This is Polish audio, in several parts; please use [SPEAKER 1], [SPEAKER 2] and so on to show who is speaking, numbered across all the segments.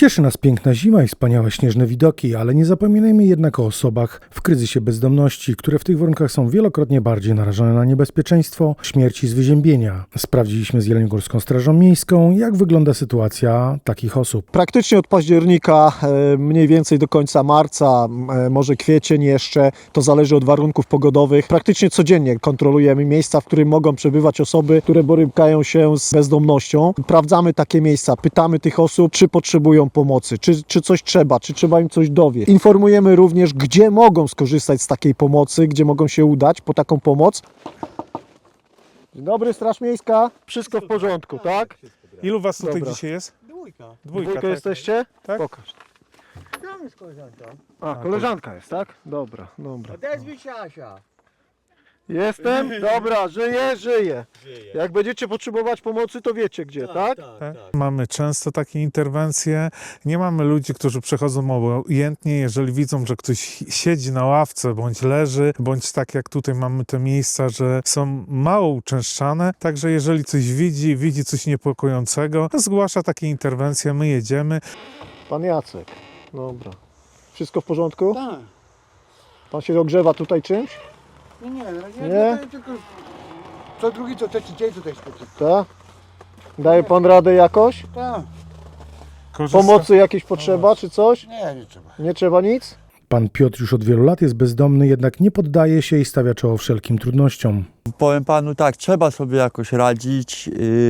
[SPEAKER 1] Cieszy nas piękna zima i wspaniałe śnieżne widoki, ale nie zapominajmy jednak o osobach w kryzysie bezdomności, które w tych warunkach są wielokrotnie bardziej narażone na niebezpieczeństwo śmierci z wyziębienia. Sprawdziliśmy z Jeleniogórską Strażą Miejską, jak wygląda sytuacja takich osób.
[SPEAKER 2] Praktycznie od października, mniej więcej do końca marca, może kwiecień jeszcze, to zależy od warunków pogodowych. Praktycznie codziennie kontrolujemy miejsca, w których mogą przebywać osoby, które borykają się z bezdomnością. Sprawdzamy takie miejsca, pytamy tych osób, czy potrzebują pomocy, czy coś trzeba, czy trzeba im coś dowieść. Informujemy również, gdzie mogą skorzystać z takiej pomocy, gdzie mogą się udać po taką pomoc. Dzień dobry, Straż Miejska. Wszystko w porządku, tak?
[SPEAKER 3] Ilu was tutaj
[SPEAKER 2] Dobra.
[SPEAKER 3] dzisiaj jest?
[SPEAKER 4] Dwójka.
[SPEAKER 3] Dwójka, tak.
[SPEAKER 2] Jesteście?
[SPEAKER 3] Tak.
[SPEAKER 2] Pokaż.
[SPEAKER 4] Tam jest koleżanka.
[SPEAKER 2] Koleżanka jest, tak? Dobra.
[SPEAKER 4] Odezwij się, Asia.
[SPEAKER 2] Jestem? Dobra, żyję. Jak będziecie potrzebować pomocy, to wiecie gdzie, tak?
[SPEAKER 3] Tak. Mamy często takie interwencje. Nie mamy ludzi, którzy przechodzą obojętnie, jeżeli widzą, że ktoś siedzi na ławce, bądź leży, bądź tak jak tutaj mamy te miejsca, że są mało uczęszczane. Także jeżeli coś widzi coś niepokojącego, zgłasza takie interwencje, my jedziemy.
[SPEAKER 2] Pan Jacek. Dobra. Wszystko w porządku?
[SPEAKER 4] Tak.
[SPEAKER 2] Pan się ogrzewa tutaj czymś?
[SPEAKER 4] Nie,
[SPEAKER 2] Nie?
[SPEAKER 4] tylko co drugi, co trzeci dzień tutaj spotykam.
[SPEAKER 2] Tak? Daje pan radę jakoś?
[SPEAKER 4] Tak.
[SPEAKER 2] Pomocy jakieś potrzeba, czy coś?
[SPEAKER 4] Nie trzeba.
[SPEAKER 2] Nie trzeba nic?
[SPEAKER 1] Pan Piotr już od wielu lat jest bezdomny, jednak nie poddaje się i stawia czoło wszelkim trudnościom.
[SPEAKER 5] Powiem panu tak, trzeba sobie jakoś radzić.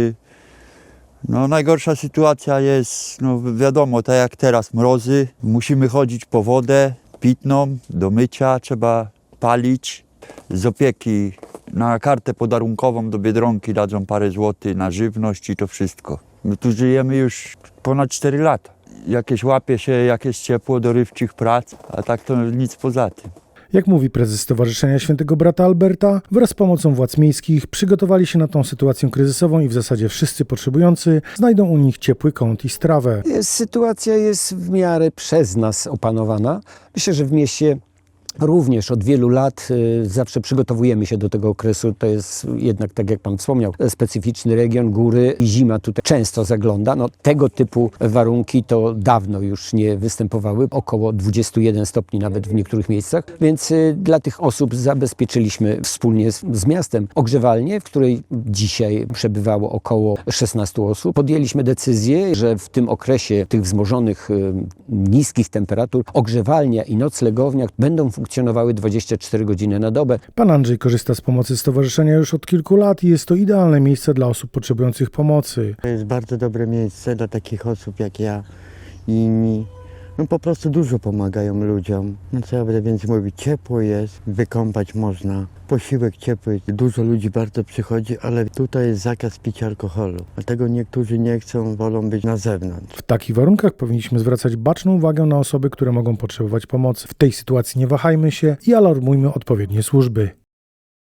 [SPEAKER 5] No, najgorsza sytuacja jest, no wiadomo, tak jak teraz mrozy. Musimy chodzić po wodę pitną, do mycia, trzeba palić. Z opieki na kartę podarunkową do Biedronki dadzą parę złotych na żywność i to wszystko. My tu żyjemy już ponad 4 lata. Jakieś łapie się, jakieś ciepło dorywczych prac, a tak to nic poza tym.
[SPEAKER 1] Jak mówi prezes Stowarzyszenia Świętego Brata Alberta, wraz z pomocą władz miejskich przygotowali się na tą sytuację kryzysową i w zasadzie wszyscy potrzebujący znajdą u nich ciepły kąt i strawę.
[SPEAKER 6] Sytuacja jest w miarę przez nas opanowana. Myślę, że w mieście również od wielu lat zawsze przygotowujemy się do tego okresu. To jest jednak, tak jak pan wspomniał, specyficzny region, góry i zima tutaj często zagląda. No, tego typu warunki to dawno już nie występowały. Około 21 stopni nawet w niektórych miejscach. Więc dla tych osób zabezpieczyliśmy wspólnie z miastem ogrzewalnię, w której dzisiaj przebywało około 16 osób. Podjęliśmy decyzję, że w tym okresie tych wzmożonych, niskich temperatur ogrzewalnia i noclegownia będą funkcjonowały 24 godziny na dobę.
[SPEAKER 1] Pan Andrzej korzysta z pomocy stowarzyszenia już od kilku lat i jest to idealne miejsce dla osób potrzebujących pomocy.
[SPEAKER 7] To jest bardzo dobre miejsce dla takich osób jak ja i inni. No po prostu dużo pomagają ludziom. No co ja będę więcej mówić, ciepło jest, wykąpać można, posiłek ciepły. Dużo ludzi bardzo przychodzi, ale tutaj jest zakaz picia alkoholu. Dlatego niektórzy nie chcą, wolą być na zewnątrz.
[SPEAKER 1] W takich warunkach powinniśmy zwracać baczną uwagę na osoby, które mogą potrzebować pomocy. W tej sytuacji nie wahajmy się i alarmujmy odpowiednie służby.